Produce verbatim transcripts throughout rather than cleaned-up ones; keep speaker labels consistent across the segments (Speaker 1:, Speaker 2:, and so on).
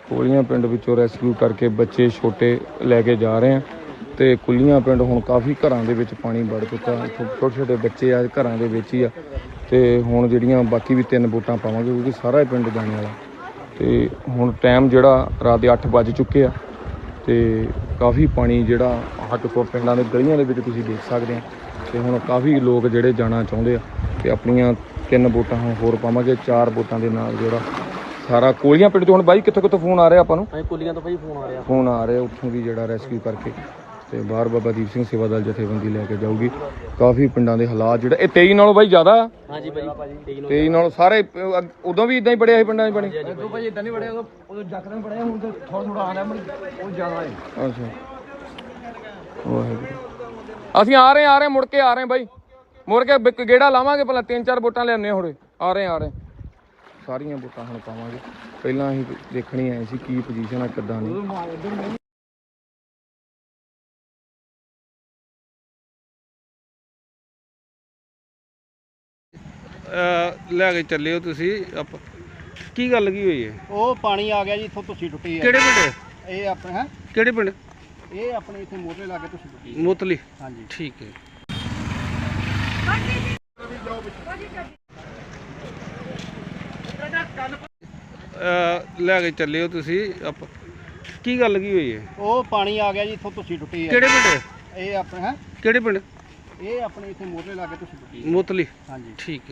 Speaker 1: ਕੋਲੀਆਂ ਪਿੰਡ ਵਿੱਚੋਂ ਰੈਸਕਿਊ ਕਰਕੇ ਬੱਚੇ ਛੋਟੇ ਲੈ ਕੇ ਜਾ ਰਹੇ ਆ ਤੇ ਕੁੱਲੀਆਂ ਪਿੰਡ ਹੁਣ ਕਾਫੀ ਘਰਾਂ ਦੇ ਵਿੱਚ ਪਾਣੀ ਵੜ ਚੁੱਕਾ। ਛੋਟੇ ਛੋਟੇ ਬੱਚੇ ਆ ਘਰਾਂ ਦੇ ਵਿੱਚ ਹੀ ਆ ਤੇ ਹੁਣ ਜਿਹੜੀਆਂ ਬਾਕੀ ਵੀ ਤਿੰਨ ਵੋਟਾਂ ਪਾਵਾਂਗੇ ਕਿਉਂਕਿ ਸਾਰਾ ਪਿੰਡ ਜਾਣੇ ਵਾਲਾ। ਤੇ ਹੁਣ ਟਾਈਮ ਜਿਹੜਾ ਰਾਤ ਦੇ ਅੱਠ ਵੱਜ ਚੁੱਕੇ ਆ ਤੇ ਕਾਫੀ ਪਾਣੀ ਜਿਹੜਾ ਹੱਟ ਕੋ ਪਿੰਡਾਂ ਦੇ ਗਲੀਆਂ ਦੇ ਵਿੱਚ ਤੁਸੀਂ ਦੇਖ ਸਕਦੇ ਆ। ਤੇ ਹੁਣ ਕਾਫੀ ਲੋਕ ਜਿਹੜੇ ਜਾਣਾ ਚਾਹੁੰਦੇ ਆ ਤੇ ਆਪਣੀਆਂ ਤਿੰਨ ਵੋਟਾਂ ਹੁਣ ਹੋਰ ਪਾਵਾਂਗੇ। ਚਾਰ ਵੋਟਾਂ ਦੇ ਨਾਲ ਜਿਹੜਾ ਸਾਰਾ ਕੋਲੀਆਂ ਪਿੰਡ ਤੋਂ ਹੁਣ ਬਾਈ ਕਿੱਥੋਂ ਕਿੱਥੋਂ ਫੋਨ ਆ ਰਿਹਾ ਆਪਾਂ ਨੂੰ?
Speaker 2: ਕੋਲੀਆਂ ਤੋਂ ਭਾਈ ਫੋਨ ਆ ਰਿਹਾ
Speaker 1: ਫੋਨ ਆ ਰਿਹਾ ਉੱਥੋਂ ਵੀ ਜਿਹੜਾ ਰੈਸਕਿਊ ਕਰਕੇ ਤੇ ਬਾਹਰ ਬਾਬਾ ਦੀਪ ਸਿੰਘ ਸੇਵਾ ਦਲ ਜਥੇਬੰਦੀ ਲੈ ਕੇ ਜਾਊਗੀ। ਕਾਫੀ ਪਿੰਡਾਂ ਦੇ ਹਾਲਾਤ ਜਿਹੜਾ ਇਹ ਤੇਈ ਨਾਲੋਂ ਬਾਈ ਜ਼ਿਆਦਾ। ਹਾਂਜੀ ਬਾਈ ਤੇਈ ਨਾਲੋਂ ਸਾਰੇ ਉਦੋਂ ਵੀ ਇਦਾਂ ਹੀ ਬੜਿਆ ਸੀ ਪਿੰਡਾਂ 'ਚ ਪਾਣੀ? ਉਦੋਂ ਭਾਈ ਇਦਾਂ ਨਹੀਂ ਬੜਿਆ, ਉਦੋਂ ਜੱਕਦਮ ਬੜਿਆ, ਹੁਣ ਤਾਂ ਥੋੜਾ ਥੋੜਾ ਆ ਰਿਹਾ ਉਹ ਜ਼ਿਆਦਾ ਹੈ। ਅੱਛਾ ਵਾਹਿਗੁਰੂ। ਅਸੀਂ ਆ ਰਹੇ ਆ ਰਹੇ ਮੁੜ ਕੇ ਆ ਰਹੇ ਬਾਈ, ਮੁੜ ਕੇ ਗੇੜਾ ਲਾਵਾਂਗੇ ਪਹਿਲਾਂ ਤਿੰਨ ਚਾਰ ਵੋਟਾਂ ਲਿਆਉਂਦੇ ਹੋੜੇ। ਆ ਰਹੇ ਆ ਰਹੇ ਸਾਰੀਆਂ ਵੋਟਾਂ ਹੁਣ ਪਾਵਾਂਗੇ। ਪਹਿਲਾਂ ਅਸੀਂ ਦੇਖਣੀ ਆਏ ਸੀ ਕੀ ਪੋਜੀਸ਼ਨ ਆ ਕਿੱਦਾਂ ਨਹੀਂ। ਲੈ ਕੇ ਚੱਲੇ ਹੋ ਤੁਸੀਂ ਆਪਾਂ, ਕੀ ਗੱਲ ਕੀ ਹੋਈ ਹੈ?
Speaker 2: ਉਹ ਪਾਣੀ ਆ ਗਿਆ ਜੀ ਇੱਥੋਂ, ਤੁਸੀਂ ਟੁੱਟੀ ਹੈ।
Speaker 1: ਕਿਹੜੇ ਪਿੰਡ?
Speaker 2: ਇਹ ਆਪਣੇ ਹੈ
Speaker 1: ਕਿਹੜੇ ਪਿੰਡ?
Speaker 2: ਇਹ ਆਪਣੇ ਇੱਥੇ ਮੋਟਰੇ ਲਾ ਕੇ ਤੁਸੀਂ ਟੁੱਟੀ
Speaker 1: ਮੋਤਲੀ।
Speaker 2: ਹਾਂਜੀ
Speaker 1: ਠੀਕ ਹੈ। ਲੈ ਕੇ ਚੱਲੇ ਹੋ ਤੁਸੀਂ ਆਪਾਂ, ਕੀ ਗੱਲ ਕੀ ਹੋਈ ਹੈ?
Speaker 2: ਉਹ ਪਾਣੀ ਆ ਗਿਆ ਜੀ ਇੱਥੋਂ, ਤੁਸੀਂ ਟੁੱਟੀ ਹੈ।
Speaker 1: ਕਿਹੜੇ ਪਿੰਡ?
Speaker 2: ਇਹ ਆਪਣੇ ਹੈ
Speaker 1: ਕਿਹੜੇ ਪਿੰਡ?
Speaker 2: ਇਹ ਆਪਣੇ ਇੱਥੇ ਮੋਟਰੇ ਲਾ ਕੇ ਤੁਸੀਂ ਟੁੱਟੀ
Speaker 1: ਮੋਤਲੀ।
Speaker 2: ਹਾਂਜੀ
Speaker 1: ਠੀਕ ਹੈ।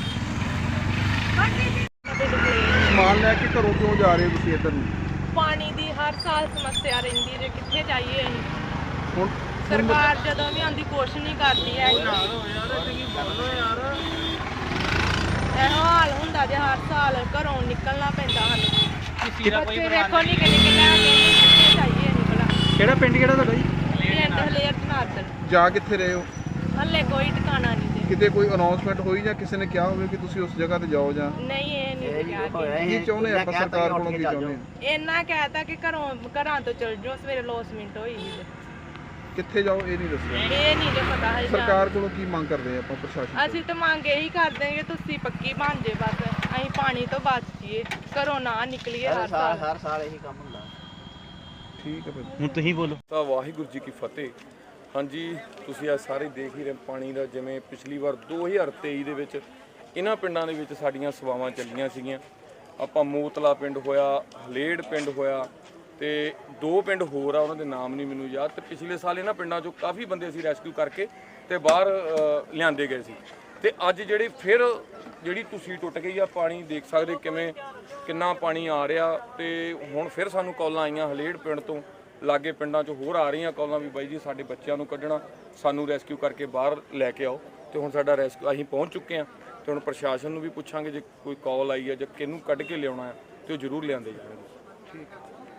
Speaker 3: ਸਮਾਨ ਲੈ ਕੇ ਘਰੋਂ ਕਿਉਂ ਜਾ ਰਹੇ ਹੋ ਤੁਸੀਂ ਇੱਧਰ ਨੂੰ?
Speaker 4: ਪਾਣੀ ਦੀ ਹਰ ਸਾਲ ਸਮੱਸਿਆ ਰਹਿੰਦੀ ਜੇ, ਕਿੱਥੇ ਜਾਈਏ ਅਸੀਂ?
Speaker 3: ਹੁਣ
Speaker 4: ਸਰਕਾਰ ਜਦੋਂ ਵੀ ਆਉਂਦੀ ਕੋਸ਼ਿਸ਼ ਨਹੀਂ ਕਰਦੀ ਹੈ। ਇਹੋ ਹਾਲ ਹੁੰਦਾ ਜੇ ਹਰ ਸਾਲ ਘਰੋਂ ਨਿਕਲਣਾ ਪੈਂਦਾ ਸਾਨੂੰ। ਬੱਚੇ ਵੇਖੋ ਨਿੱਕੇ ਨਿੱਕੇ ਲੈ ਕੇ ਕਿੱਥੇ ਜਾਈਏ ਨਿਕਲਣਾ।
Speaker 3: ਕਿਹੜਾ ਪਿੰਡ ਕਿਹੜਾ ਤੁਹਾਡਾ ਜੀ?
Speaker 4: ਪਿੰਡ ਹਲੇਰ ਜਨਾਰਦਨ।
Speaker 3: ਜਾ ਕਿੱਥੇ ਰਹੇ ਹੋ?
Speaker 4: ਹਲੇ ਕੋਈ ਟਿਕਾਣਾ ਨਹੀਂ ਜੇ।
Speaker 3: ਕਿਤੇ ਕੋਈ ਅਨਾਉਂਸਮੈਂਟ ਹੋਈ ਜਾਂ ਕਿਸੇ ਨੇ ਕਿਹਾ ਹੋਵੇ ਕਿ ਤੁਸੀਂ ਉਸ ਜਗ੍ਹਾ ਤੇ ਜਾਓ ਜਾਂ
Speaker 4: ਨਹੀਂ ਇਹ ਨਹੀਂ ਕਿਹਾ ਕਿ
Speaker 3: ਕੀ ਚਾਹੁੰਦੇ ਆਪਾਂ ਸਰਕਾਰ ਕੋਲੋਂ ਕੀ ਚਾਹੁੰਦੇ?
Speaker 4: ਇੰਨਾ ਕਹਿਤਾ ਕਿ ਘਰੋਂ ਘਰਾਂ ਤੋਂ ਚਲ ਜਾਓ, ਸਵੇਰੇ ਲੋਸਮੈਂਟ ਹੋਈ ਸੀ।
Speaker 3: ਕਿੱਥੇ ਜਾਓ ਇਹ ਨਹੀਂ ਦੱਸਿਆ।
Speaker 4: ਇਹ ਨਹੀਂ ਜੇ ਪਤਾ ਹੈ
Speaker 3: ਸਰਕਾਰ ਕੋਲੋਂ ਕੀ ਮੰਗ ਕਰਦੇ ਆਪਾਂ ਪ੍ਰਸ਼ਾਸਨ?
Speaker 4: ਅਸੀਂ ਤਾਂ ਮੰਗ ਇਹੀ ਕਰਦੇ ਹਾਂ ਕਿ ਤੁਸੀਂ ਪੱਕੀ ਬਣ ਜੇ, ਬਸ ਅਸੀਂ ਪਾਣੀ ਤੋਂ ਬਚ ਜਾਈਏ, ਘਰੋਂ ਨਾ ਨਿਕਲੀਏ। ਹਰ ਸਾਲ
Speaker 2: ਹਰ ਸਾਲ ਇਹੀ ਕੰਮ ਹੁੰਦਾ।
Speaker 3: ਠੀਕ ਹੈ ਭਾਈ,
Speaker 2: ਹੁਣ ਤੁਸੀਂ ਬੋਲੋ।
Speaker 1: ਤਾਂ ਵਾਹਿਗੁਰੂ ਜੀ ਕੀ ਫਤਿਹ। ਹਾਂਜੀ ਤੁਸੀਂ ਆ ਸਾਰੇ ਦੇਖ ਹੀ ਰਹੇ ਪਾਣੀ ਦਾ, ਜਿਵੇਂ ਪਿਛਲੀ ਵਾਰ ਦੋ ਹਜ਼ਾਰ ਤੇਈ ਦੇ ਵਿੱਚ ਇਹਨਾਂ ਪਿੰਡਾਂ ਦੇ ਵਿੱਚ ਸਾਡੀਆਂ ਸੇਵਾਵਾਂ ਚੱਲੀਆਂ ਸੀਗੀਆਂ। ਆਪਾਂ ਮੋਤਲਾ ਪਿੰਡ ਹੋਇਆ, ਹਲੇੜ ਪਿੰਡ ਹੋਇਆ ਤੇ ਦੋ ਪਿੰਡ ਹੋਰ ਆ, ਉਹਨਾਂ ਦੇ ਨਾਮ ਨਹੀਂ ਮੈਨੂੰ ਯਾਦ। ਤੇ ਪਿਛਲੇ ਸਾਲ ਇਹਨਾਂ ਪਿੰਡਾਂ 'ਚੋਂ ਕਾਫੀ ਬੰਦੇ ਅਸੀਂ ਰੈਸਕਿਊ ਕਰਕੇ ਤੇ ਬਾਹਰ ਲਿਆਂਦੇ ਗਏ ਸੀ। ਤੇ ਅੱਜ ਜਿਹੜੇ ਫਿਰ ਜਿਹੜੀ ਤੁਸੀਂ ਟੁੱਟ ਗਈ ਆ, ਪਾਣੀ ਦੇਖ ਸਕਦੇ ਕਿਵੇਂ ਕਿੰਨਾ ਪਾਣੀ ਆ ਰਿਹਾ। ਤੇ ਹੁਣ ਫਿਰ ਸਾਨੂੰ ਕਾਲਾਂ ਆਈਆਂ ਹਲੇੜ ਪਿੰਡ ਤੋਂ, ਲਾਗੇ ਪਿੰਡਾਂ 'ਚੋਂ ਹੋਰ ਆ ਰਹੀਆਂ ਕਾਲਾਂ ਵੀ ਬਾਈ ਜੀ ਸਾਡੇ ਬੱਚਿਆਂ ਨੂੰ ਕੱਢਣਾ, ਸਾਨੂੰ ਰੈਸਕਿਊ ਕਰਕੇ ਬਾਹਰ ਲੈ ਕੇ ਆਓ। ਤੇ ਹੁਣ ਸਾਡਾ ਰੈਸਕਿਊ ਅਸੀਂ ਪਹੁੰਚ ਚੁੱਕੇ ਹਾਂ ਤੇ ਹੁਣ ਪ੍ਰਸ਼ਾਸਨ ਨੂੰ ਵੀ ਪੁੱਛਾਂਗੇ ਜੇ ਕੋਈ ਕਾਲ ਆਈ ਹੈ ਜਾਂ ਕਿਹਨੂੰ ਕੱਢ ਕੇ ਲਿਆਉਣਾ ਹੈ ਤੇ ਉਹ ਜ਼ਰੂਰ ਲਿਆਂਦੇ ਜਾਣਗੇ। ਠੀਕ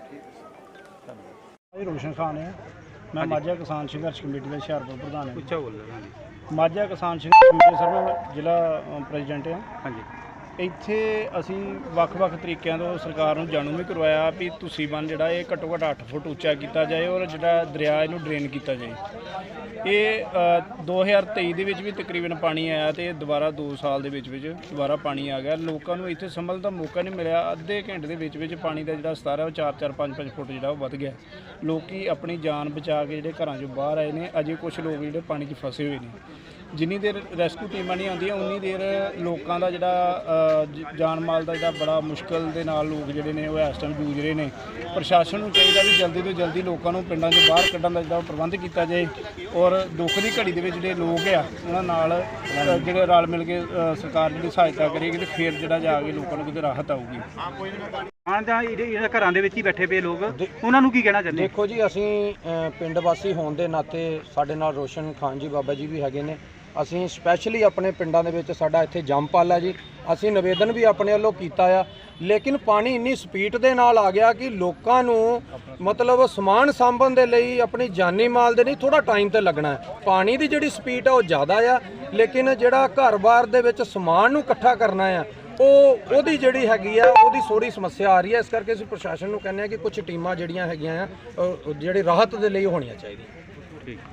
Speaker 5: ਜੀ ਰੋਸ਼ਨ ਖਾਨ ਹੈ, ਮੈਂ ਮਾਝਾ ਕਿਸਾਨ ਸੰਘਰਸ਼ ਕਮੇਟੀ ਦਾ ਹੁਸ਼ਿਆਰਪੁਰ ਪ੍ਰਧਾਨ ਹਾਂ।
Speaker 1: ਪੁੱਛਾ ਬੋਲ ਰਿਹਾ।
Speaker 5: ਮਾਝਾ ਕਿਸਾਨ ਸੰਘਰਸ਼ ਕਮੇਟੀ ਸਰ ਜ਼ਿਲ੍ਹਾ ਪ੍ਰੈਜ਼ੀਡੈਂਟ ਹਾਂ।
Speaker 1: ਹਾਂਜੀ
Speaker 5: ਇੱਥੇ ਅਸੀਂ ਵੱਖ-ਵੱਖ ਤਰੀਕਿਆਂ ਤੋਂ ਸਰਕਾਰ ਨੂੰ ਜਾਣੂ ਵੀ ਕਰਵਾਇਆ ਵੀ ਤੁਸੀਂ ਬੰਨ ਜਿਹੜਾ ਇਹ ਘੱਟੋ ਘੱਟ ਅੱਠ ਫੁੱਟ ਉੱਚਾ ਕੀਤਾ ਜਾਏ ਔਰ ਜਿਹੜਾ ਦਰਿਆ ਇਹਨੂੰ ਡਰੇਨ ਕੀਤਾ ਜਾਏ। ਇਹ ਦੋ ਹਜ਼ਾਰ ਤੇਈ ਦੇ ਵਿੱਚ ਵੀ ਤਕਰੀਬਨ ਪਾਣੀ ਆਇਆ ਤੇ ਦੁਬਾਰਾ ਦੋ ਸਾਲ ਦੇ ਵਿੱਚ ਵਿੱਚ ਦੁਬਾਰਾ ਪਾਣੀ ਆ ਗਿਆ। ਲੋਕਾਂ ਨੂੰ ਇੱਥੇ ਸੰਭਲ ਦਾ ਮੌਕਾ ਨਹੀਂ ਮਿਲਿਆ। ਅੱਧੇ ਘੰਟੇ ਦੇ ਵਿੱਚ ਵਿੱਚ ਪਾਣੀ ਦਾ ਜਿਹੜਾ ਸਤਰ ਹੈ ਉਹ ਚਾਰ ਚਾਰ ਪੰਜ ਪੰਜ ਫੁੱਟ ਜਿਹੜਾ ਉਹ ਵੱਧ ਗਿਆ। ਲੋਕੀ ਆਪਣੀ ਜਾਨ ਬਚਾ ਕੇ ਜਿਹੜੇ ਘਰਾਂ 'ਚੋਂ ਬਾਹਰ ਆਏ ਨੇ। ਅਜੇ ਕੁਝ ਲੋਕ ਜਿਹੜੇ ਪਾਣੀ 'ਚ ਫਸੇ ਹੋਏ ਨੇ। ਜਿੰਨੀ ਦੇਰ ਰੈਸਕਿਊ ਟੀਮਾਂ ਨਹੀਂ ਆਉਂਦੀਆਂ ਉਨੀ ਦੇਰ ਲੋਕਾਂ ਦਾ ਜਿਹੜਾ ਜਾਨ ਮਾਲ ਦਾ ਜਿਹੜਾ ਬੜਾ ਮੁਸ਼ਕਲ ਦੇ ਨਾਲ ਲੋਕ ਜਿਹੜੇ ਨੇ ਉਹ ਇਸ ਟਾਈਮ ਜੂਝ ਰਹੇ ਨੇ। ਪ੍ਰਸ਼ਾਸਨ ਨੂੰ ਚਾਹੀਦਾ ਵੀ ਜਲਦੀ ਤੋਂ ਜਲਦੀ ਲੋਕਾਂ ਨੂੰ ਪਿੰਡਾਂ 'ਚੋਂ ਬਾਹਰ ਕੱਢਣ ਦਾ ਜਿਹੜਾ ਪ੍ਰਬੰਧ ਕੀਤਾ ਜਾਏ ਔਰ ਦੁੱਖ ਦੀ ਘੜੀ ਦੇ ਵਿੱਚ ਜਿਹੜੇ ਲੋਕ ਆ ਉਹਨਾਂ ਨਾਲ ਜਿਹੜੇ ਰਲ ਮਿਲ ਕੇ ਸਰਕਾਰ ਜਿਹੜੀ ਸਹਾਇਤਾ ਕਰੇਗੀ ਤੇ ਫਿਰ ਜਿਹੜਾ ਜਾ ਕੇ ਲੋਕਾਂ ਨੂੰ ਕਿਤੇ ਰਾਹਤ ਆਊਗੀ।
Speaker 2: ਹਾਂ ਜਾਂ ਇਹਨਾਂ ਘਰਾਂ ਦੇ ਵਿੱਚ ਹੀ ਬੈਠੇ ਪਏ ਲੋਕ, ਉਹਨਾਂ ਨੂੰ ਕੀ ਕਹਿਣਾ ਚਾਹੁੰਦੇ?
Speaker 6: ਦੇਖੋ ਜੀ, ਅਸੀਂ ਪਿੰਡ ਵਾਸੀ ਹੋਣ ਦੇ ਨਾਤੇ ਸਾਡੇ ਨਾਲ ਰੋਸ਼ਨ ਖਾਨ ਜੀ ਬਾਬਾ ਜੀ ਵੀ ਹੈਗੇ ਨੇ। ਅਸੀਂ ਸਪੈਸ਼ਲੀ ਆਪਣੇ ਪਿੰਡਾਂ ਦੇ ਵਿੱਚ ਸਾਡਾ ਇੱਥੇ ਜੰਮਪਲ ਹੈ ਜੀ, ਅਸੀਂ ਨਿਵੇਦਨ ਵੀ ਆਪਣੇ ਵੱਲੋਂ ਕੀਤਾ ਆ। ਲੇਕਿਨ ਪਾਣੀ ਇੰਨੀ ਸਪੀਡ ਦੇ ਨਾਲ ਆ ਗਿਆ ਕਿ ਲੋਕਾਂ ਨੂੰ ਮਤਲਬ ਸਮਾਨ ਸਾਂਭਣ ਦੇ ਲਈ ਆਪਣੀ ਜਾਨੀ ਮਾਲ ਦੇ ਨਹੀਂ ਥੋੜਾ ਟਾਈਮ ਤੇ ਲੱਗਣਾ ਹੈ। ਪਾਣੀ ਦੀ ਜਿਹੜੀ ਸਪੀਡ ਆ ਉਹ ਜ਼ਿਆਦਾ ਆ, ਲੇਕਿਨ ਜਿਹੜਾ ਘਰ-ਬਾਰ ਦੇ ਵਿੱਚ ਸਮਾਨ ਨੂੰ ਇਕੱਠਾ ਕਰਨਾ ਆ ਉਹ ਉਹਦੀ ਜਿਹੜੀ ਹੈਗੀ ਆ ਉਹਦੀ ਥੋੜੀ ਸਮੱਸਿਆ ਆ ਰਹੀ ਹੈ। ਇਸ ਕਰਕੇ ਅਸੀਂ ਪ੍ਰਸ਼ਾਸਨ ਨੂੰ ਕਹਿੰਦੇ ਆ ਕਿ ਕੁਝ ਟੀਮਾਂ ਜਿਹੜੀਆਂ ਹੈਗੀਆਂ ਆ ਜਿਹੜੇ ਰਾਹਤ ਦੇ ਲਈ ਹੋਣੀਆਂ ਚਾਹੀਦੀਆਂ। ਠੀਕ।